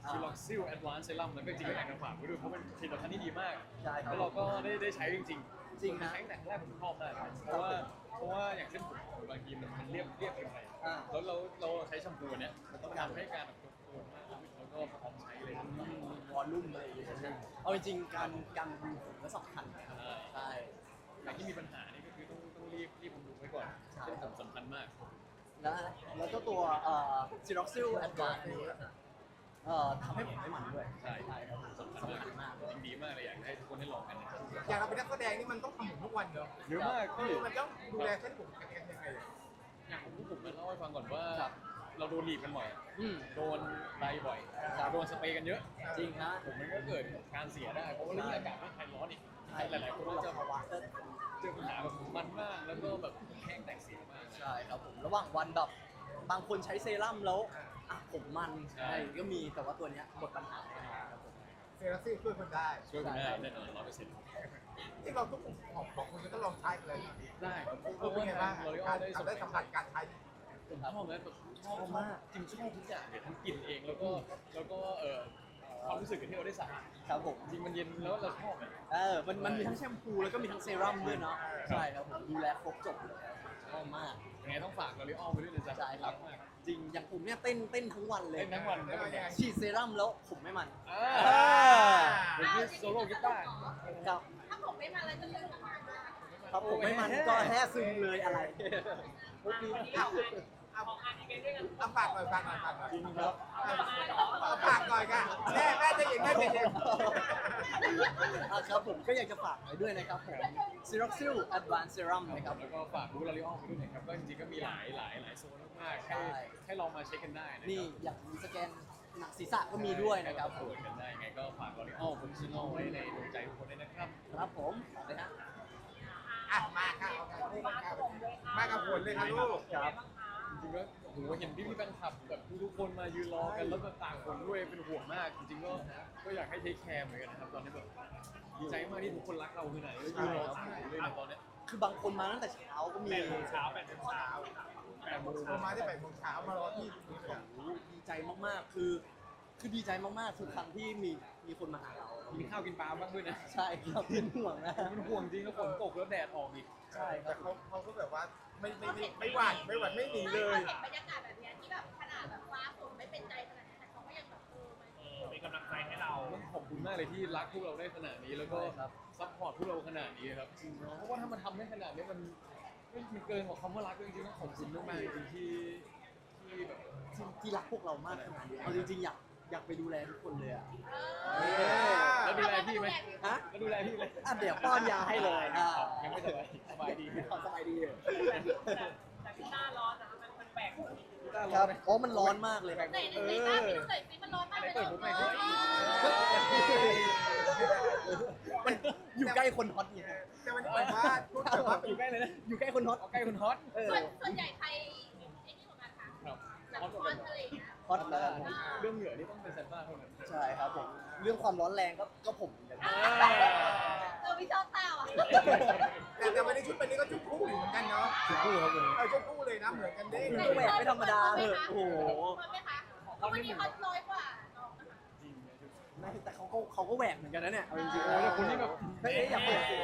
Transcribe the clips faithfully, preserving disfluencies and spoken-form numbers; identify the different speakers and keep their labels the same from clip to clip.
Speaker 1: ชิล็อกซิลแอดวานซ์เซรั่มแล้วก็จริงๆก็อยากจะฝากไว้ด้วยเพราะเป็นผลิตภัณฑ์ที่ดีมาก
Speaker 2: ใช่ครับ
Speaker 1: แล้วเราก็ได้ได้ใช้จริงๆ
Speaker 2: จริงนะ
Speaker 1: ใช้ตั้งแต่แรกผมชอบมากเพราะว่าเพราะว่าอย่างเช่นผมบางทีมันมันเรียบเรียบเกินไป
Speaker 2: อ่า
Speaker 1: แล้วเราเราใช้แชมพูเนี้ยมันต้องการให้การแบบโคนมากแล้วก็พร้อมใช้เลย
Speaker 2: วอลลุ่มอะไรอย่างเงี้ยเอาจริงๆการการดูผมก็สำคัญนะครับใช่
Speaker 1: ใครที่มีปัญหานี่ก็คือต้องต้องรีบรีบบำรุงไว้ก่อน
Speaker 2: ใช่
Speaker 1: เป็นผมสำคัญมาก
Speaker 2: แล้วแล้วก็ตัวเอ่อซิร็อกซิลแอดวานซ์อันนี้เอ่อทำให้ผมไม่มันด้วย
Speaker 1: ใช่
Speaker 2: ใช่ครับผม
Speaker 1: สำคัญ
Speaker 2: สำคัญ
Speaker 1: มาม
Speaker 2: าก ก
Speaker 1: จริงดีมากเลยอยากให้ทุกคนได้ลองกันนะครับ
Speaker 3: อย่างเราเป็นนักแสดงนี่มันต้องทำผมทุกวันเนอะ
Speaker 1: เยอะมาก
Speaker 3: เอ
Speaker 1: พี่
Speaker 3: อมันต้องดูแลเส้นผมกันยังไงอะ
Speaker 1: อย่างผมผมมาเล่าให้ฟังก่อนว่า
Speaker 2: ครับ
Speaker 1: เราโดนหนีบกันบ่อย
Speaker 2: อืม
Speaker 1: โดนไดบ่อย
Speaker 2: ครับ
Speaker 1: โดนสเปรย์กันเยอะ
Speaker 2: จริงนะ
Speaker 1: ผมมันก็เกิดการเสียได้ เพราะว่าเรื่องอากาศไม่ไทยร้อนอีกหลายๆคนก็จะ
Speaker 2: ภาวะ
Speaker 1: เจอปัญหาแบบมันมากแล้วก็แบบแห้งแตกเสียมาก
Speaker 2: ใช่ครับผมระหว่างวันแบบบางคนใช้เซรั่มแล้วอ่ะผมมัน
Speaker 1: ใช่
Speaker 2: อะไรก็มีแต่ว่าตัวเนี้ยหมดปัญหาแน่นอนครับผม
Speaker 3: เซรั่มซี่ช่วยคนได้
Speaker 1: ช่วยคุณได้แน่นอนร้อยเปอร์เซ็นต์
Speaker 3: ที่เราทุกคนของของคุณก็ลองใช้กันเลย
Speaker 1: ได้ครับเพ
Speaker 3: เออ
Speaker 1: ราะ
Speaker 3: เป็น
Speaker 1: ว่า
Speaker 3: ไงบ้าง
Speaker 1: เรา
Speaker 3: การ
Speaker 1: ได้
Speaker 3: ได้สัมผัสการใช้
Speaker 1: ผมชอบนะแบบชอบมากจริงชอบทุกอย่างเลยทั้งกลิ่นเองแล้วก็แล้วก็เอ่อความรู้สึกที่เราได้สระ
Speaker 2: ครับผม
Speaker 1: จริงมันเย็นแล้วเราชอบเลย
Speaker 2: เออมันมันมีทั้งแชมพูแล้วก็มีทั้งเซรั่มด้วยเนาะใช่ครับผมดูแลครบจบเลยครับชอบมาก
Speaker 1: ยังไงต้องฝากลอรีออลไปด้วยนะจ๊ะ
Speaker 2: ใช่ครับ
Speaker 1: มาก
Speaker 2: จริงอย่างผมเนี่ยเต้นเต้นทั้งวันเลย
Speaker 1: เล่นทั้งวันแล้วก็ยัง
Speaker 2: ฉีดเซรั่มแล้วผมไม่มัน
Speaker 1: อ่าเป็นที่โซโล่กีตาร์
Speaker 2: ครับ
Speaker 4: ถ้าผมไม่มาแล้วจะลืมมา
Speaker 2: ครับผมไม่มันก็แท้ซึมเลยอะไร
Speaker 3: เอาเอาเอาฝากหน่อยฝากหน่อยฝากหน่อย
Speaker 1: จริงครับ
Speaker 3: เอาฝากหน่อยค่ะแม่แม่จะเย็นแม่จะเย็น
Speaker 2: อ่ะครับผมก็อยากจะฝากไว้ด้วยนะครับผม Ceroxil Advanced Serum นะครับ
Speaker 1: แล้วก็ฝากบูธลอรีออลไปด้วยนะครับก็จริงๆก็มีหลายหลายหลายโซนมากๆ
Speaker 2: ใช่
Speaker 1: ให้ให้ลองมาเช็คกันได้นะ
Speaker 2: นี่
Speaker 1: ครับ
Speaker 2: อย่างมีสแกนหนังศีรษะก็มีด้วยนะครับผ
Speaker 1: ตร
Speaker 2: ม
Speaker 1: วจกันได้ยังไงก็ฝากลอรีออลโปรเฟชชั่นอลไว้ในดวงใจทุกคนด้วยนะครับ
Speaker 2: ครับผมฝากเลยฮะ
Speaker 3: อ่ะมาค่ะเอาค่ะมากับผลเลยค่ะลูก
Speaker 2: ครับ
Speaker 1: จริงๆก็โหเห็นพี่พี่ๆแฟนคลับแบบทุกๆคนมายืนรอกันแล้วก็ต่างคนด้วยเป็นห่วงมาก จริงๆก็ก็อยากให้เทคแคร์เหมือนกันนะครับตอนนี้แบบดีใจมากที่ทุกคนรักเราคือไหนก็ยืนรอต่างคนด้วยในตอนเนี้ย
Speaker 2: คือบางคนมาตั้งแต่เช้าก็มี
Speaker 3: แปดโมงเช้าแปดโมงเช้าแปดโมงเช้ามาที่แปดโมงเช้ามารอที่นี่เลยอะ
Speaker 2: โอ้โหดีใจมากๆ คือ คือดีใจมากๆ ทุกครั้งที่มีมีคนมาหาเรา
Speaker 1: มีข้าวกินปลาบ้างด้วยนะ
Speaker 2: ใช่ครับเป็นห่วงนะ
Speaker 1: มันห่วงจริงแล้วฝนตกแล้วแดดออกอีก
Speaker 2: ใช่ครั
Speaker 3: แต่
Speaker 2: บ
Speaker 3: เขาเขาก็แบบว่าไม่ไม่ไม่ไม่หวั่นไม่หวั่นไม่หนีเลย
Speaker 4: เห็นบรรยากาศแบบนี้ที่แบบขนาดแบบฟ้าฝนไม่เป็นใจขนาดนี้แต่เขาก็ยังแบบเออมัน
Speaker 5: มีกำลังใจให้เรา
Speaker 1: ต้องขอบคุณมากเลยที่รักพวกเราได้ขนาดนี้แล้วก็
Speaker 2: ใช่ครับ
Speaker 1: ซัพพอร์ตพวกเราขนาดนี้ครับจริงเพราะว่าถ้ามันทำได้ขนาดนี้มันมันเกินกว่าคำว่ารักเลยจริงๆต้องขอบคุณมากๆจริงๆที่ที่แบบ
Speaker 2: ที่ที่รักพวกเรามากขนาดนี้เอาจริงๆ อยากอยากไปดูแลทุกคนเลยอะ
Speaker 4: เออ
Speaker 1: แล้วดูแลพี่ไหม
Speaker 2: ฮะ
Speaker 1: แล้วดูแลพี่ไหม
Speaker 2: อ่ะเดี๋ยวป้อนยาให้เลยอ่ะ
Speaker 1: ยังไม่สบายสบายดี
Speaker 2: ขอสบายดีเลย
Speaker 5: แต่ที่หน้าร้อนนะมันมันแปลก
Speaker 2: ครับโอ้มันร้อนมากเลยครับ
Speaker 4: ไหนไหนไหนบ้างพี่ดูหน่อยสิมันร้อนมากเลย
Speaker 1: เปิดผมหน่อย
Speaker 4: เอ
Speaker 1: ดิ
Speaker 4: อ
Speaker 2: มันอยู่ใกล้คนฮอตไง
Speaker 3: แต่มันแบบว่าพูดแบบว่า
Speaker 1: อยู่ใกล้เลยนะ
Speaker 2: อยู่ใกล้คนฮอต
Speaker 1: เอาใกล้คนฮอต
Speaker 2: เออ
Speaker 4: ส่วนส่วนใหญ่ใครไอ้นี่ของกันคะ
Speaker 1: ครับ
Speaker 4: แบบ
Speaker 1: ฮอต
Speaker 4: ค
Speaker 1: ก
Speaker 4: อ
Speaker 1: ว่าน กัน
Speaker 4: ทะเลนะ
Speaker 2: ฮอตมาก
Speaker 1: เรื่องเหงื่อนี่ต้องเป็นแซนต้าเท่านั้น
Speaker 2: ใช่ครับผม เรื่องความร้อนแรงก็ก็ผมเหมือนกัน
Speaker 1: อ่า
Speaker 4: เออพี่ชอบเต้าอ่ะ
Speaker 3: แต่แต่วันนี้ชุดวันนี้ก็ชุดคู่อยู่เหมือนกันเนาะ
Speaker 1: คู่ครับวันนี้
Speaker 3: เออชุดคู่เลยนะเหมือนกันเด้ง
Speaker 2: ก็แหวกไม่ธรรมดาเลยโอ้โห
Speaker 4: เหมือนไหมคะเพราะวันนี้เขาน้อยกว่าน้องนะคะ
Speaker 1: จริงนะ
Speaker 2: ไม่แต่เขาก็เขาก็แหวกเหมือนกันนะเนี่ยเอาจริงๆ
Speaker 1: โอ้ยแต่คนนี้แบบ
Speaker 2: เฮ้ยอย่าเปิดสิ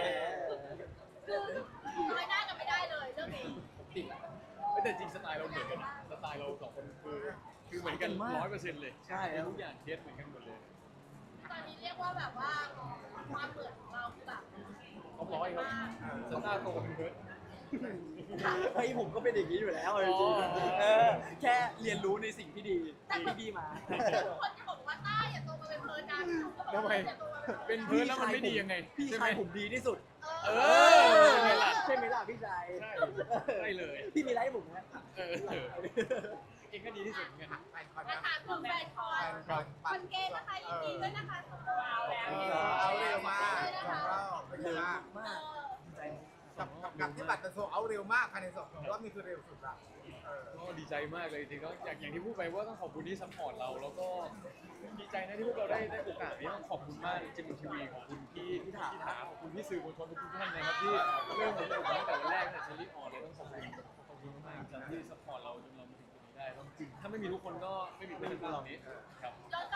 Speaker 4: คือน้อยหน้ากันไม่ได้เลยเรื่องนี้
Speaker 2: ติด
Speaker 1: แต่จริงสไตล์เราเหมือนกันนะสไตล์เราสองคนคือคือเหมือนกันร้อยเปอร์เซ็นต์เลย
Speaker 2: ใช่ครับ
Speaker 1: ทุกอย่างเทสเหมือนกันหมดเลย
Speaker 4: ตอนนี้เรียกว่าแบบว่าความเหมือนของเราคือแบบ
Speaker 1: เขาร้อยครับสตาร์โตเป็นเพิร์ด
Speaker 2: เฮ้ยผมก็เป็นอย่างนี้อยู่แล้วเอาจริงๆเออแค่เรียนรู้ในสิ่งที่ดีที่พี่มา
Speaker 4: ทุกคนจะบอกว่าต้าอย่าโตมาเป็นเพลินกันก็บอก
Speaker 1: ทำไม
Speaker 4: ว่าอย่าโตมาเป็นเพลิน
Speaker 1: เป็นเพิร์ดแล้วมันไม่ดียังไง
Speaker 2: พี่
Speaker 1: ใช่ไหม
Speaker 2: ชายผมดีที่สุด
Speaker 1: เอ
Speaker 4: เอ
Speaker 1: อ
Speaker 4: อ
Speaker 1: ใช่ไหมล่ะ
Speaker 2: ใช่ไหมล่ะพี่ชาย
Speaker 1: ใช่ใช่เลย
Speaker 2: พี่มีอะไรให้ผมไหม
Speaker 1: เออเองก็ดีที่สุดเหมือนกัน
Speaker 3: ไปก่อน
Speaker 4: มา
Speaker 3: นะ
Speaker 4: ถามถึงแฟนคอน
Speaker 3: ก่อน
Speaker 4: คอนเกมนะคะยินดีด้วยนะคะเอาแล้ว
Speaker 3: เออเอาเร็วมากสองรอบเป็นไงบ้าง
Speaker 2: มากดีใจ
Speaker 3: กับกับกับที่บัตรจะโซเอาเร็วมากภายในสองรอบนี่คือเร็วสุดละเออ
Speaker 1: ก็ดีใจมากเลยจริงๆก็อย่างอย่างที่พูดไปว่าต้องขอบคุณที่ซัพพอร์ตเรา แล้วก็ดีใจนะที่พวกเราได้ได้โอกาสนี้ต้องขอบคุณมากจิมทีวีขอบคุณพี่พี่ถาถาขอบคุณพี่สื่อมวลชนทุกท่านนะครับที่เริ่มผมตั้งแต่วันแรกตั้งแต่เชอรี่ออนเลยต้องขอบคุณขอบคุณมากๆที่ซัพพอร์ตเราจนเรามาถึงตรงนี้ได้ต้องจริงถ้าไม่มีทุกคนก็ไม่มีเพื่อนพวกเรานี้ครับ
Speaker 4: ย้อนกลับไปตอน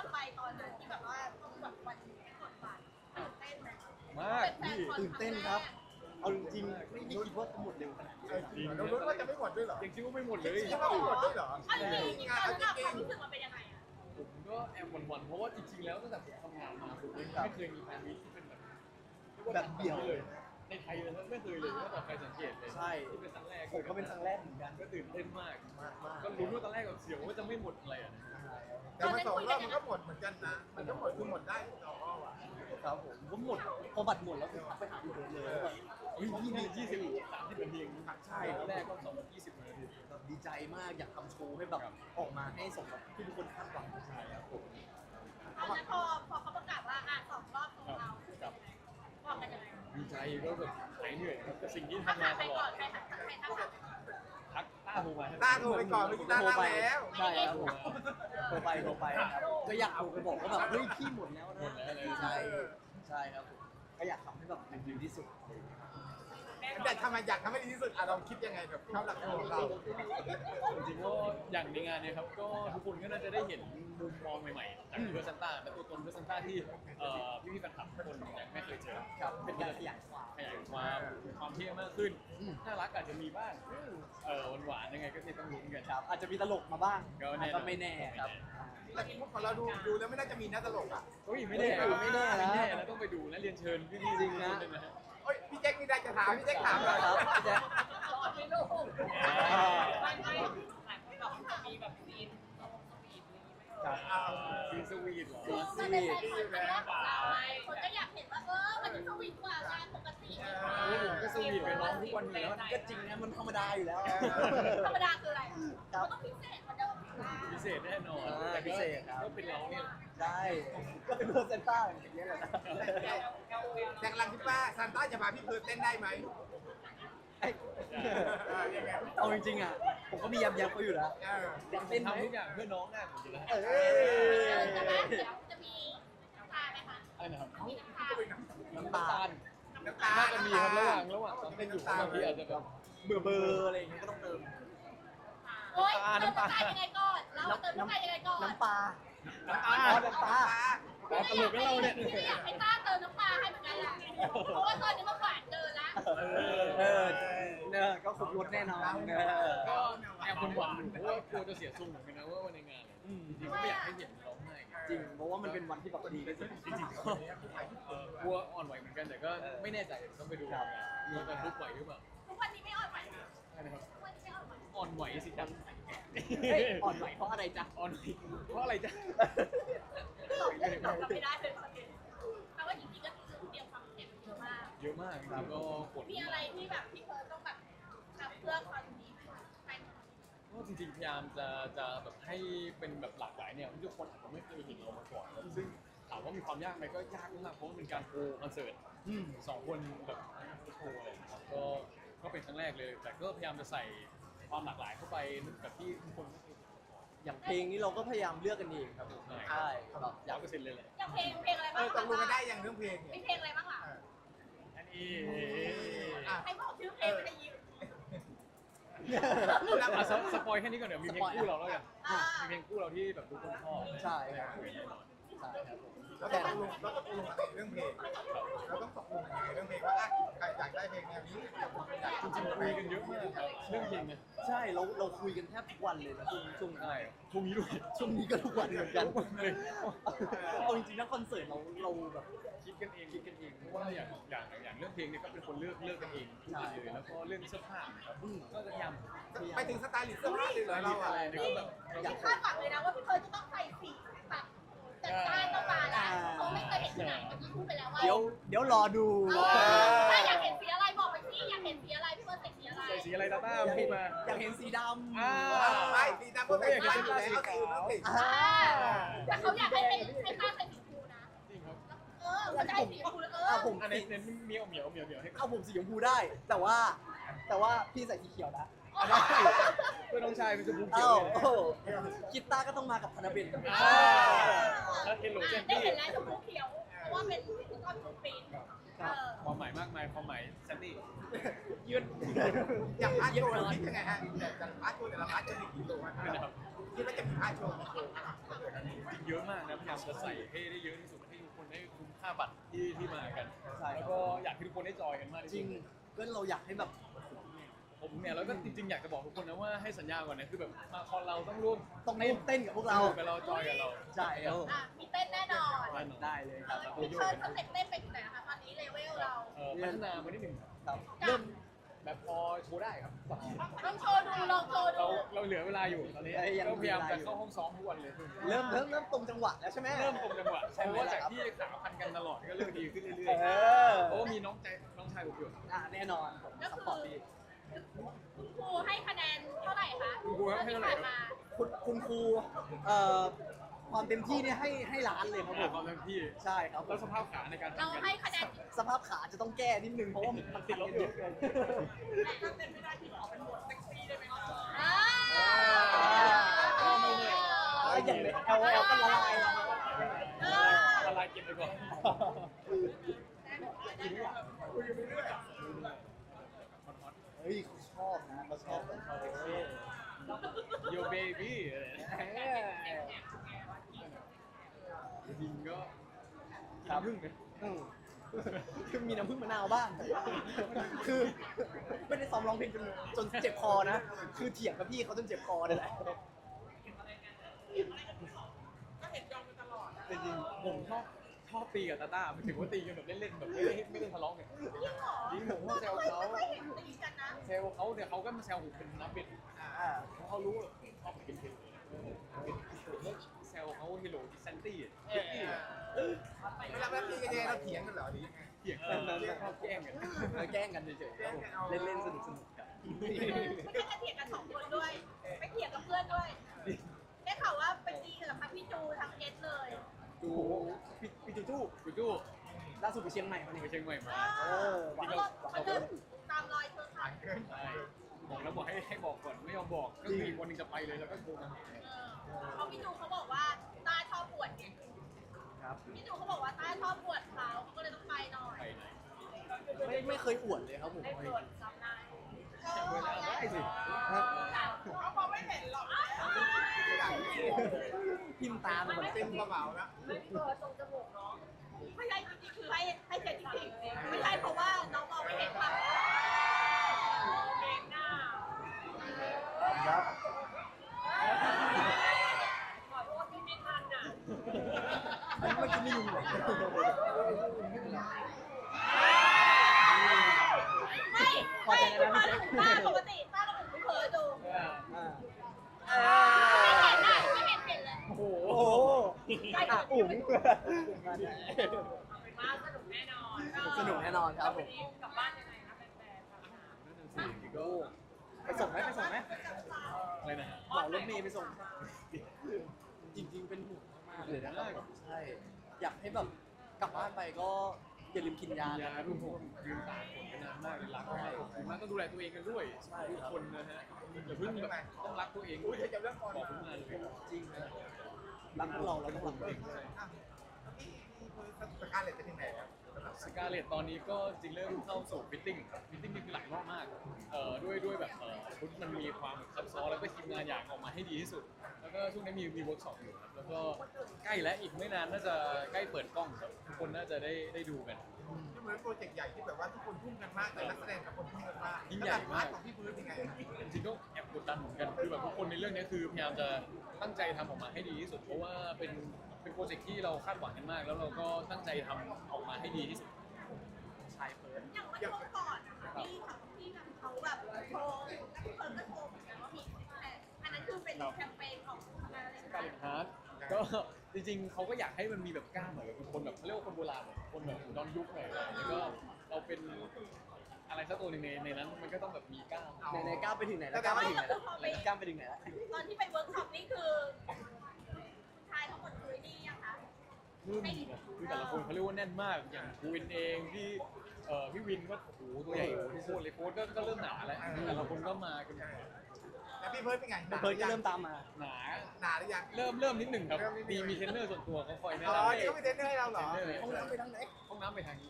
Speaker 4: อนนะที่แบบว่าต้องแบบวันนี้กดบัตรตื่นเต้นไหม
Speaker 1: มากพี่
Speaker 2: ตื่นเต้นครับ เอาจริงๆไม่ไม่คิดว่าจะหมดเร็วขนาดนี้
Speaker 3: เออจริงเหรอเรารู้ว่าจะไม่หมดด้วยเหรอ
Speaker 1: ยังคิดว่าไม่หมดเลย
Speaker 3: จริงๆว่าไม่หมดด้วยเหรอ
Speaker 4: เอาจริงๆ
Speaker 3: งาน
Speaker 4: ตอน
Speaker 3: เอาจ
Speaker 4: นั้น
Speaker 3: ริง
Speaker 4: ความรู้สึกมันเป็นยังไงอะ
Speaker 1: ผมก็แอบหวั่นๆเพราะว่าจริงๆแล้วตั้งแต่ผมทำงานมาผมไม่เคยมีแฟนมีตที่เป็นแบบรีกว่า
Speaker 2: แบบเดี่ยว
Speaker 1: เลยในไทยเลยนะไม่เคยเลยถ้าต่อใครสังเกตเลย
Speaker 2: ใช่
Speaker 1: ที่เป็นครั้งแรก
Speaker 2: ผมก็เป็นครั้งแรกเหมือนกัน
Speaker 1: ก็ตื่นเต้นมาก
Speaker 2: มากมาก
Speaker 1: ก็รู้นว่าตอนแรกแบบเสียวว่าจะไม่หมดอะไรอ่ะ
Speaker 3: ๆแต่มาสองรอบมันก็หมดเหมือนกันนะ มันก็หมดคือหมดได้สองรอบอ่ะ
Speaker 2: ครับผมผมหมดพอบัตรหมดแล้วผมทักไปหาพี่เบิร์ดเลยว่าแบบ
Speaker 1: เฮ้ยยี่สิบยี่สิบสามสิบนาทีเอง
Speaker 2: ใช่
Speaker 1: ตอนแรกก็สองยี่สิบนาที
Speaker 2: แบบดีใจมากอยากทำโชว์ให้แบบออกมาให้สมกับที่ทุกคนคาดหวังใช่ครับผม
Speaker 4: ตอนนั้นพอพอเขาประกาศว่าอ่ะสองรอบของเรา
Speaker 1: ครับ
Speaker 4: บอกกันยังไง
Speaker 1: ดีใจก็แบบหายเหนื่อยครับกับสิ่งที่
Speaker 4: ถ้า
Speaker 1: ทำมา
Speaker 4: ถาม
Speaker 1: ต
Speaker 4: ไป
Speaker 1: ล
Speaker 4: ก่
Speaker 1: อ
Speaker 4: อ
Speaker 1: ด
Speaker 4: นใครถามใครถาม
Speaker 1: ทักต้าโทรมา
Speaker 3: ต้าโทรไปก่อนเมื่อกี้ต้า
Speaker 2: โทร
Speaker 3: เล่า
Speaker 2: ไป
Speaker 3: แล้ว
Speaker 2: ใช่ครับผมโทรไปโทรไปครับก็อยากโทรไปบอกว่าแบบเฮ้ยพี่หมดแล้วนะใช่ใช่ครับผมก็อยากทำให้แบบดีที่สุด
Speaker 3: แต่ทำไมอยากทำให้ดีที่สุดอ่ะเราคิดยังไงกับข้าวหลักของเรา
Speaker 1: จริงๆก็อย่างในงานเนี่ยครับก็ทุกคนก็น่าจะได้เห็นมุมมองใหม่ๆจากเพื่อซันต้าและตัวตนเพื่อซันต้าที่เอ่อพี่ๆแฟนคลับทุกคนยังไม่เคยเจอ
Speaker 2: ครับเป็นการขยายความ
Speaker 1: ขยายความความเท่มากขึ้น
Speaker 2: อืม
Speaker 1: น่ารักอาจจะมีบ้างเออหวานๆยังไงก็เนี่ยต้องลุ้นกัน
Speaker 2: ครับอาจจะมีตลกมาบ้าง
Speaker 1: ก็แน่นอน
Speaker 2: ก็ไม่แน่ครับ
Speaker 3: แต่มุกของเราดูดูแล้วไม่น่าจะมีน่าตลกอ่ะ
Speaker 1: เฮ้ยไม่แน่
Speaker 2: เฮ้ยไม่แน่นะ
Speaker 1: ไม่แน่นะต้องไปดูนะเรียนเชิญพี่ๆ
Speaker 2: จริงนะ
Speaker 1: ทุกคเลยฮ
Speaker 3: โอ้ยพี่แจ็คมีได้จะถามพี่แจ็คถาม
Speaker 2: ค
Speaker 3: เล
Speaker 2: รั
Speaker 3: ย
Speaker 2: บพี่แจ๊ค
Speaker 4: รอไม่รู้
Speaker 5: ไม่ไม่หลายคนแบบมีแบบซีนสวีทอะไรอย่างงี้ไหม
Speaker 2: ครับ
Speaker 1: ซีสวีทเหรอ
Speaker 4: คือมันเป็นแฟนคอนครั้งแรกของเราไงคนก็อยากเห็นว่าเออมันสวีทกว่างานปกติ
Speaker 1: โอ้ยผมก็สวีทกับน้องทุกวันอยู่แล้ว
Speaker 2: ก็จริงนะมันธรรมดาอยู่แล้ว
Speaker 4: ธรรมดาคืออะไรมันต้องพิเศษกว่าเดิม
Speaker 1: พิเศษแน่นอน
Speaker 2: อ่า
Speaker 1: แต่ก็
Speaker 2: พิเศษครับ
Speaker 1: ก็เป็นเราเนี่ย
Speaker 2: ได้ก็เป็นเพอร์เซนต้าอย่างเงี้ยแหละนะ
Speaker 3: แจ็คกำลังคิดว่าซานต้าจะพาพี่เพิร์ดเต้นได้ไหม
Speaker 2: ไอ้
Speaker 3: เออยังไง
Speaker 2: เอาจริงๆอ่ะผมก็มียำยำเขาอยู่แล้ว
Speaker 3: เออ
Speaker 2: อยาก
Speaker 1: ผ
Speaker 2: เต้น
Speaker 1: ม
Speaker 2: ไหม
Speaker 1: ทำทุกอย่างเพื่อน้องหน้าผมอยู่แล้ว
Speaker 2: เอ
Speaker 4: เอ
Speaker 2: อ
Speaker 4: อจะมาเดี๋ยวจะมีน้ำตาไหมคะ
Speaker 1: อะไรนะครับ
Speaker 4: มีน้ำตา
Speaker 1: น้ำตาล
Speaker 3: น้ำตา
Speaker 1: น่าจะมีครับระหว่างระหว่างตอนเต้นอยู่บางทีอาจจะแบบ
Speaker 2: เบื่อเบอร์อะไรอย่างเงี้ยก็ต้องเติม
Speaker 4: โอ๊ยเติมน้ำตายังไงก่อน เราเติมน้ำตายังไงก่อน
Speaker 2: น้ำปลา
Speaker 1: น้ำตา
Speaker 2: อ๋อ
Speaker 1: ล
Speaker 2: น้ำปลา
Speaker 1: แต่ตลกกับเราเนี่ย
Speaker 4: พี่อยากให้ต้าเติมน้ำปลาให้เหมือนกันแหละเพราะว่าตอนนี้มันหวานเกินละ
Speaker 2: เออเออเออก็ขุดรถแน่นอนเออ
Speaker 1: ก็แอบหวั่นๆอยู่เพราะว่ากลัวจะเสียทรงเหมือนกันนะว่าวันในงานเนี่ย
Speaker 2: อืม
Speaker 1: จริงๆก็ไม่อยากให้เห็นร้องไห้
Speaker 2: จริงเพราะว่ามันเป็นวันที่แบบดีที่สุดจริงๆก็
Speaker 1: เออกลัวอ่อนไหวเหมือนกันแต่ก็ไม่แน่ใจต้องไปดูงานว่าจะลุกไหวหรือเปล่า
Speaker 4: ทุกวันนี้ไม่อ่อนไหว
Speaker 1: ใช่นะครับ
Speaker 4: ทุกวันนี้ไม่อ่อนไหว
Speaker 1: อ่อนไหวสิครับ
Speaker 2: เฮ้ยอ่อนไหวเพราะอะไรจ๊ะ
Speaker 1: อ่อนไหวเพราะอะไรจ๊ะ
Speaker 4: ตอบไม่ได้ตอบไม่ได้เลยตอนนี้แต่ว่าจริงๆก็คือเตรียมความเจ็บเยอะมาก
Speaker 1: เยอะมากจริงๆก็กด
Speaker 4: มีอะไรที่แบบพี่เพิร์ลต้องแบบทำเพื่อคอนนี้ไหมคะไป
Speaker 1: ก็จริงๆพยายามจะจะแบบให้เป็นแบบหลากหลายเนี่ยทุกคนอาจจะไม่เคยเห็นเรามาก่อนซึ่งถามว่ามีความยากไหมก็ยากมากเพราะมันเป็นการโชว์คอนเสิร์ต
Speaker 2: อืม
Speaker 1: สองคนแบบโชว์อะไรนะครับก็ก็เป็นครั้งแรกเลย แต่ก็พยายามจะใส่ความหลากหลายเข้าไปแบบที่ทุกคนไม่เคยเห็นมาก่อน
Speaker 2: อย่างเพลงนี้เราก็พยายามเลือกกันเองครับผมใช่แบบอ
Speaker 1: ร้
Speaker 2: ยา
Speaker 1: อก ยเปอร์เซ็นต์เลยแหละ
Speaker 4: อย่างเพลงเพลงอะไร
Speaker 3: เอ
Speaker 4: บ้าง
Speaker 3: อตกลงกันได้ยังเรื่องเพลง
Speaker 4: มี
Speaker 3: เนี่ย
Speaker 4: เพลงอะไรบ้างล่ะ
Speaker 1: อันนี้
Speaker 4: ให้บอกชื่อเพลงไม่ได้ยิน
Speaker 1: อ่ะสสปอยแค่นี้ก่อนเดี๋ยวมีเพลงคู่เราแล้วกัน
Speaker 4: อ่า
Speaker 1: มีเพลงคู่เราที่แบบทุกคนชอบ
Speaker 2: ใช่ครับ
Speaker 1: แน่นอน
Speaker 2: ใช่ครับผม
Speaker 3: เราต้องตกลงเราต้องตกลงกันในเรื่องเพลงเราต้องตกลงกันในเรื่องเพลงว่าอ่ะใครอยากได้เพลงแนวนี้อยากอยาก
Speaker 1: จริงๆคุยกันเยอะมากครับเรื่องเพลงเนี่ย
Speaker 2: ใช่เราเราคุยกันแทบทุกวันเลยนะช่วงช่วงนี้
Speaker 1: ใช่ช่วงนี้ด้วย
Speaker 2: ช่วงนี้ก็ทุกวันเหมือนกัน
Speaker 1: ทุกวันเลย
Speaker 2: เอาจริงๆนะคอนเสิร์ตเราเราแบบ
Speaker 1: คิดกันเองคิดกันเองเพราะว่าอย่างอย่างอย่างเรื่องเพลงเนี่ยก็เป็นคนเลือกเลือกกันเองทุกอย่างเลยแล้วก็เรื่องเสื้อผ้านะครับก็จะพยายาม
Speaker 3: ไปถึงสไตล์หรือเสื้อผ้าเลยเหรอเราอ่ะ
Speaker 1: อะไรเนี่ยก็แบบเรา
Speaker 4: นี่
Speaker 1: ก็
Speaker 4: คาดหวังเลยนะว่าพี่เพิร์ลจะต้องใส่สีแบบจัดจ้านต้องมาแล้วเขาไม่เคยเห็นที่ไหนเมื่อกี้พูดไปแล้วว่า
Speaker 2: เดี๋ยวเดี๋ยวรอดู
Speaker 4: ถ้าอยากเห็นสีอะไรบอกไปสิอยากเห็นสีอะไรพี่เพิร์ลใส่สีอะไร
Speaker 1: ใส่สีอะไรตาต้า
Speaker 2: อยาก
Speaker 1: พู
Speaker 2: เห็
Speaker 1: ด
Speaker 2: น
Speaker 1: มา
Speaker 2: อยากเห็นสีดำ
Speaker 1: อ่า
Speaker 3: ไม่สีดำก็ใส่ได้อยู่แล้วเอาสีน้ำติด
Speaker 2: อ่า
Speaker 4: แต่เขาอยากให้เป็นให้ต้าใส่สีชมพูนะ
Speaker 1: จริงครับ
Speaker 4: เออเขาจะให้สีชมพูแล้วเออ
Speaker 2: เอาผม
Speaker 1: อันนี้เน้นเหมียวเหมียวเหมียวเหมียวให้
Speaker 2: เอาผมสีชมพูได้ แต่ว่า แต่ว่าพี่ใส่สีเขียวนะ
Speaker 1: ได้เพื่อนน้องชายเป็นชมพูเขีย
Speaker 2: เอ้าว
Speaker 1: เลย
Speaker 2: โอ้โหกีตาร์ก็ต้องมากับธนเบน
Speaker 1: อ่าแล้วเฮลโลเจน
Speaker 4: ได้
Speaker 1: ตี้
Speaker 4: เห็นแล้วชมพูเขียว เพราะว่าเป็นก้อนชูปีนเออ
Speaker 1: ความหมายมากมายความหมายแซนดี้
Speaker 2: ยืน
Speaker 3: อย่างพาร์ทโชว์เราคิดยังไงฮะอย่างพาร์ทโชว์แต่ละพาร์ทจะมีกี่ตัว
Speaker 1: นะครับ
Speaker 3: คิดว่าจะมีพาร์ทโชว์กี่ตัว
Speaker 1: จเยอะมากนะพยายามจะใส่ให้ได้เยอะที่สุดให้ทุกคนได้คุ้มค่าบัตรที่ที่มากัน
Speaker 2: ใช่ครับ
Speaker 1: แล้วก็อยากให้ทุกคนได้จอยกันมากที่
Speaker 2: จ
Speaker 1: สุ
Speaker 2: ริ
Speaker 1: ด
Speaker 2: งก็เราอยากให้แบบ
Speaker 1: ผมเนี่ยแล้วก็จริงๆอยากจะบอกทุกคนนะว่าให้สัญญาก่อนนะคือแบบมาคอนเราต้องร่วม
Speaker 2: ต้องร่วมเต้นกับพวกเรา
Speaker 1: กับเราจอยกับเรา
Speaker 2: ใช่ครับ
Speaker 4: อ่ะมีเต้นแน่นอน
Speaker 1: แน่นอน
Speaker 2: ได้เลยครับ
Speaker 4: มีเชิญสเต็ปเต้นไปถึงไหนคะตอนนี้เลเวลเรา
Speaker 1: เอ่อพัฒนามานิดหนึ่งครับ
Speaker 2: ครับเริ่ม
Speaker 1: แบบพอโชว์ได้ครับ
Speaker 4: ต้องโชว์ดูลองโชว์ดู
Speaker 1: เราเราเหลือเวลาอยู่ตอนนี้ก็พยายามจะเข้าห้องซ้อมทุกวันเลย
Speaker 2: เริ่มเริ่มเริ่มตรงจังหวะแล้วใช่ไหม
Speaker 1: เริ่มตรงจังหวะ
Speaker 2: ใช่ไหม
Speaker 1: เพราะว่าจาก
Speaker 2: ล่ะครับ
Speaker 1: ที่ขาพันกันตลอดก็เริ่มดีขึ้นเรื่อย
Speaker 2: เออ
Speaker 1: ๆเพราะว่ามีน้องใจน้องชายผมอยู่
Speaker 2: อ่ะแน่นอนผม
Speaker 4: ก็
Speaker 2: ส
Speaker 4: คือ
Speaker 2: ปอร์ตดี
Speaker 4: คุณครูให้คะแนนเท่าไหร่คะ
Speaker 1: คุณครูให้เท่าไหร่ครับ
Speaker 4: ที่ผ่นมา
Speaker 2: คุณคุณครูเอ่อความเต็มที่เนี่ยให้ให้ล้านเลยครับผ
Speaker 1: ความ
Speaker 2: ม
Speaker 1: เต็มที่
Speaker 2: ใช่ครับ
Speaker 1: แล้วสภาพขาในการ
Speaker 4: เรา
Speaker 1: ทำกัน
Speaker 4: ให้คะแนน
Speaker 2: สภาพขาจะต้องแก้นิดนึงเพราะว่ามันติดลบเยอะเกิน
Speaker 5: ถ้าเต้นไม่ได้ที่ขอเป็นบทเซ็กซี่ได้ไหมคะ
Speaker 4: อ่า
Speaker 2: ก็ไม่แน่อ่าอย่างแอลแอลก็ละลายแล้ว
Speaker 4: เออ
Speaker 1: ละลายกินไปก่อน
Speaker 2: เฮ้ยเขาชอบนะเขาชอบแบบเซ็กซี่
Speaker 1: โยเบบี้อะไรนะ
Speaker 2: เอ้ย
Speaker 1: จริงก็
Speaker 2: ครับ
Speaker 1: พึ่งนะ
Speaker 2: อืมคือมีน้ำผึ้งมะนาวบ้าง คือไม่ได้ซ้อมร้องเพลงจนจนเจ็บคอนะ คือเถียงกับพี่เขาจนเจ็บคอเลยแหละ
Speaker 5: ก็เห็นยอมกันตลอด
Speaker 1: จริงๆผมชอบชอบตีกับตาต้าหมายถึงว่าตีกันแบบเล่นๆแบบไม่ได้ไม่ได้ทะเลาะกัน
Speaker 4: จริงเหรอ
Speaker 1: จริงผมว่าแซวเขา
Speaker 4: ไม่เห็นตีกันนะ
Speaker 1: แซวเขาเนี่ยเขาก็มาแซวผมเป็นนักเบ็ด
Speaker 2: อ่า
Speaker 1: เพราะเขารู้ว่าผมชอบกินเผ็ดแซวเขาฮิโรดิซันตี้คิตตี้
Speaker 3: เวลาแบบนี้กันยังไงเราเถียงกันเหรอหรือยังไง
Speaker 1: เถียงกันชอบแกล้งกัน
Speaker 2: มาแกล้งกันเฉยๆครับผมเล่นเล่นๆสนุกสนุกๆครับ
Speaker 4: ไม่ใช่แค่เถียงกันสองคนด้วย ไปเถียงกับเพื่อนด้วยได้ข่าวว่าไปตีกับทั้งพี่จูทั้งเอสเลย
Speaker 1: จูพี่พี่จูจูจูจู
Speaker 2: ล่าสุดไปเชียงใหม่มา
Speaker 1: ไป
Speaker 2: นี่
Speaker 1: เชียงใหม่มา
Speaker 2: เออ
Speaker 4: เขาเริ่มเขาเริ่มตามรอยเธอค่ะ
Speaker 1: ใช่บอกแล้วบอกให้ให้บอกก่อนไม่ยอมบอกก็มีวันหนึงจะไปเลยแล้วก็โทรมาหา
Speaker 4: เออเพราะพี่จูเขาบอกว่าต้าชอบปวดไง
Speaker 2: ครับ
Speaker 4: พี่จูเขาบอกว่าต้าชอบปวดเขาเขาก็เลยต้องไปหน่อย
Speaker 1: ไปไหน
Speaker 2: ไม่ไม่เคยอวดเลยครับผม
Speaker 4: ได้ปวดจำได้
Speaker 1: จำเวลาได้สิ
Speaker 5: เขามองไม่เห็นหรอก
Speaker 2: พิมพ์ตามมัน
Speaker 3: เต็มกระเป๋าแล้ว
Speaker 4: ไม่เปิดตรงจมูกเนาะไม่ใช่จริงๆคือให้ให้เจ็ดจริงๆไม่ใช่เพราะว่าน้องมองไม่เห็นค่ะ
Speaker 5: เกงหน้า
Speaker 2: ครับ
Speaker 5: ขอโทษที่ไม่ทันอ่ะ
Speaker 2: อันนี้เมื่อกี้ไม่ยุ่งเลย
Speaker 4: ไม่ไม่คุณพ่อถึงป้าปกติป้าก็ถึงไม่เผลอดู
Speaker 2: อ่า
Speaker 4: ไม่เห็นนะไม่เห็นเห็นเลย
Speaker 2: โอ้โหอ่ะอุ๋ง
Speaker 5: มาสนุกแน่นอน
Speaker 2: สนุกแน่นอนครับผ
Speaker 5: วัน
Speaker 2: ม
Speaker 5: นี้กลับบ้านยังไงนะแฟนๆถามหา
Speaker 1: นั่นน่ะสิก็
Speaker 2: ไปส่งไหมไปส่งไหม
Speaker 1: อะไรนะ
Speaker 2: เหมารถเมย์ไปส่ง จริงๆเป็นห่วงมากๆเลยนะครับใช่ อยากให้แบบกลับบ้านไปก็อย่าลืมกินยา
Speaker 1: ยา
Speaker 2: นะ
Speaker 1: ทุกผมยืนตากฝนกันนานมากเลยรักมากมันต้องดูแลตัวเองกันด้วย
Speaker 2: ใช่
Speaker 1: ทุก
Speaker 2: ครับ
Speaker 1: คนนะฮะอย่าเพิ่งแบบต้องรักตัวเองด้วยบอกผมมาเลย
Speaker 2: จริงนะรักพวกเราเราต้องรักตัวเอง
Speaker 3: สการเลตเป็นยังไงครับ
Speaker 1: สกาเลตตอนนี้ก็จริงเริ่มเข้าสู่ฟิตติ้งฟิตติ้งนี่คือหลายรอบมากเอ่อด้วยด้วยแบบเอ่อชุดมันมีความแบบซับซ้อนแล้วก็ทีมงานอยากออกมาให้ดีที่สุด แล้วก็ช่วงนี้มีมีเวิร์กช็อปอยู่ครับแล้วก็ใกล้แล้วอีกไม่นานน่าจะใกล้เปิดกล้องครับทุกคนน่าจะได้ได้ดูกัน
Speaker 3: ที่เหมือนโปรเจกต์ใหญ่ที่แบบว่าทุกคนทุ่มกันมากแต่นักแสดงกับคนทุ่มกันมาก
Speaker 1: ยิ่งใหญ่มาก
Speaker 3: ของพี่พื้นยังไง
Speaker 1: จริงๆก็แอบกดดันเหมือนกันคือแบบทุกคนในเรื่องนี้คือพยายามจะตั้งใจทำออกมาให้ดีที่สุด เพราะว่าเป็นเป็นโปรเจกต์ที่เราคาดหวังกันมาก แล้วเราก็ตั้งใจทำออกมาให้ดีที่สุด
Speaker 2: ชายเฟิร์น
Speaker 4: อย่างเมื่อช่วงก่อนนะคะที่ทำที่แบบเขาแบบโชว์เพิ่นก็โชว์เหมือนกันว่ามีแต่อันนั้นคือเป็นแคมเปญของอะไร
Speaker 1: สกาเลตฮาร์ดก็จริงๆเขาก็อยากให้มันมีแบบกล้ามหน่อยเป็นคนแบบเขาเรียกว่าคนโบราณหน่อยคนแบบย้อนยุคหน่อยแล้วก็เราเป็นอะไรสักตัวหนึ่งในในนั้นมันก็ต้องแบบมีกล้าม
Speaker 2: ในในก้าวไปถึงไหนแล้วก้าวไปถึงไหนแล้วก้าวไปถึงไหนแล้ว
Speaker 4: ตอนที่ไปเวิร์กช็อปนี่คือชายทั้งหมดคือนี่ยังคะ
Speaker 1: รุ่นคือแต่ละคนเขาเรียกว่าแน่นมากอย่างภูวินเองที่เอ่อพี่วินก็โอ้โหตัวใหญ่โคตรเลยโค้ดก็ก็เริ่มหนาแล้วแต่ละคนก็มากัน
Speaker 3: แล้วพี่เพิร์ดเป็นไง
Speaker 2: เฟิร์นก็เริ่มตามมา
Speaker 1: หนา
Speaker 3: หนาหรือยัง
Speaker 1: เริ่มเริ่มนิดหนึ่งครับมีมีเทรนเนอร์ส่วนตัวเขาคอยแนะ
Speaker 3: อ๋อน
Speaker 1: ำ
Speaker 3: นี่ก็มีเทรนเนอร์ให้เราเหรอ
Speaker 1: เทรนเนอร์
Speaker 2: ห้องน้ำไปทางไหน
Speaker 1: ห้องน้ำไปทางนี้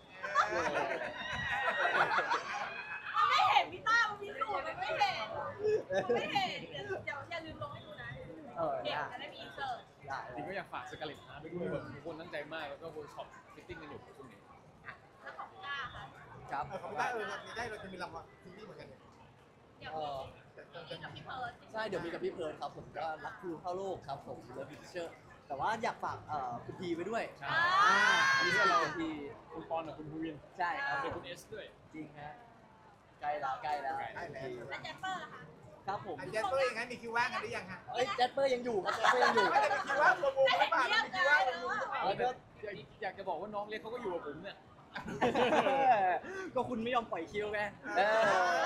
Speaker 4: มันไม่เห็นพี่ต้ามันมีสูตรมันไม่เห็นมันไม่เห็นเดี๋ยวเดี๋ยวอย่าลืมลงให้ดูนะ
Speaker 2: เออ
Speaker 4: เด็ก
Speaker 2: ได้
Speaker 4: จะได้มีอินเสิร์ต
Speaker 2: ได้
Speaker 1: จริงก็อยากฝากสกาเลตฮาร์ทไปด้วยแบบทุกคนตั้งใจมากแล้วก็เวิร์กช็อปฟิตติ้งกันอยู่ช่วงนี้
Speaker 4: แล้วของก้าค่ะ
Speaker 2: ครับ
Speaker 3: เออเขาไม่ได้เออได้เราจะมีรางวัลทีวีเหมือนกันเนี่ย
Speaker 4: เดี๋ยว
Speaker 2: เอ่อ
Speaker 4: มีกับพี่เพิร์ด
Speaker 2: ใช่เดี๋ยวมีกับพี่เพิร์ดครับผมก็รักครูเข้าโลกครับผมเลิฟพิเชอร์แต่ว่าอยากฝากเอ่อคุณพีไปด้วย
Speaker 1: ใช่
Speaker 2: อ่าอันนี้ก็เราคุณพี
Speaker 1: คุณปอนกับคุณภูวิน
Speaker 2: ใช่ครับ
Speaker 1: เดี๋ยวคุณเอสด้วย
Speaker 2: จริงฮะใกล้แล้วใกล้แล้ว
Speaker 3: ได้แล้ว
Speaker 4: และแจปเปอร์ล่ะคะ
Speaker 2: ครับผม
Speaker 3: อันเจสเปอร์ยังไงมีคิวว่างกันหรือยังฮะ
Speaker 2: เอ้ยแจสเปอร์ยังอยู่ครับแจสเปอร์ยังอยู่
Speaker 3: ไม่ได้มีคิวว่างรวมวงหรือเปล่ามีคิวว่างรวมวงหรือเปล่า
Speaker 1: แล้วก็อยากอยากจะบอกว่าน้องเล็กเขาก็อยู่กับผมเนี่ย
Speaker 2: ก็คุณไม่ยอมปล่อยคิวไงเออ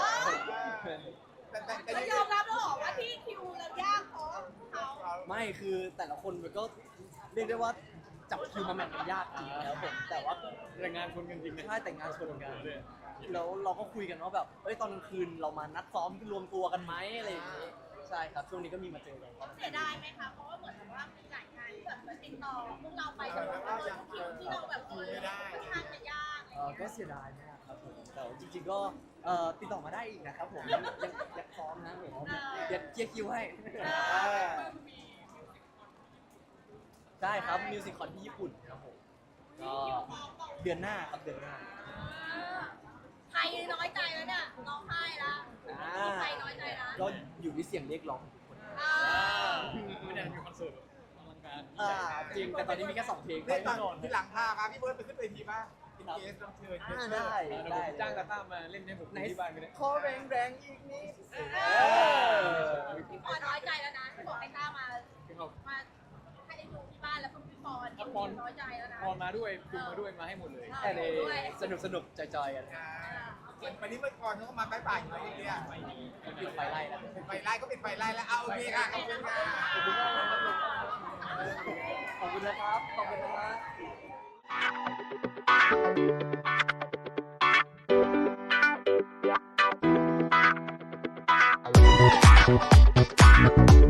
Speaker 3: แต่แต่แต่
Speaker 4: ก็
Speaker 3: ยัง
Speaker 4: ยอมรับแล้วเหรอว่าที่คิวเรายากเพราะเขา
Speaker 2: ไม่คือแต่ละคนมันก็เรียกได้ว่าจับคิวมาแมทกันยากจริงแล้วผมแต่ว่า
Speaker 1: แต่งานคนกันจริงนะ
Speaker 2: ใช่แต่งงานชนกัน
Speaker 1: เลย
Speaker 2: แล้วเราก็คุยกันว่าแบบเอ้ยตอนกลางคืนเรามานัดซ้อมรวมตัวกันไหมอะไรอย่างนี้ใช่ครับช่วงนี้ก็มีมาเจอกันครับ
Speaker 4: เสียดายไหมคะเพราะว่าเหมือนแบบว่ามีหลายงานที่แบบติดต่อพวกเราไปแต่ว่าเราคิวที่เราแบบเออค่อนข้างจะยาก
Speaker 2: เออก็เสียดายมากครับผมแต่ว่าจริงๆก็เอ่อติดต่อมาได้อีกนะครับผมยังยังยังซ้อมนะผมเดี๋ยวเคลียร์คิวให้ใช่ครับมิวสิคคอนที่ญี่ปุ่นครับผมก็เดือนหน้าครับเดือนหน้า
Speaker 4: ใครน้อยใจแล้วเนี่ยร้องไห้แล้วใครน้อยใจแล้ว
Speaker 2: ก็อยู่ที่เสียงเรียกร้องของทุกคน
Speaker 4: อ่า
Speaker 1: ไม่ได้มีคอนเสิร์ตแบบอลังการ
Speaker 2: อ่าจริงแต่ตอนนี้มีแค่สองเพลง
Speaker 3: ได้ตอนที่หลังพาครับพี่เบิร์ดไปขึ้นเวทีบ้างเป็นเกสรับเชิญ
Speaker 2: อ่าได้
Speaker 1: เดี๋ยวผม
Speaker 2: ได้
Speaker 1: จ้างตาต้ามาเล่นให้ผม
Speaker 2: ไหน
Speaker 1: ที่บ้านไปเลย
Speaker 2: ขอแรงแรงๆอีกนิด
Speaker 4: เออพี่ปอนน้อยใจแล้วนะที่บอกให้ต้ามา
Speaker 1: ครับ
Speaker 4: มาให้ได้ดูที่บ้านแล้วคุณพี่ปอน
Speaker 1: ถ้าปอน
Speaker 4: น้อยใจแล้วนะ
Speaker 1: พอมาด้วยจุงมาด้วยมาให้หมดเลย
Speaker 2: แต่เลยสนุกสนุกๆจอยๆกัน
Speaker 3: อ่าวันนี้เมื่อก่อนเขาก็มาใกล้ป่าอยู่แล้วเนี่ย
Speaker 2: ปิดไฟไล่แล้ว
Speaker 3: เป็นไฟไล่ก็เป็นไฟไล่แล้วเอาโอเคค่ะขอบคุณค่ะ
Speaker 2: ขอบคุณมากนะครับผมขอบคุณนะครับ ขอบคุณนะครับ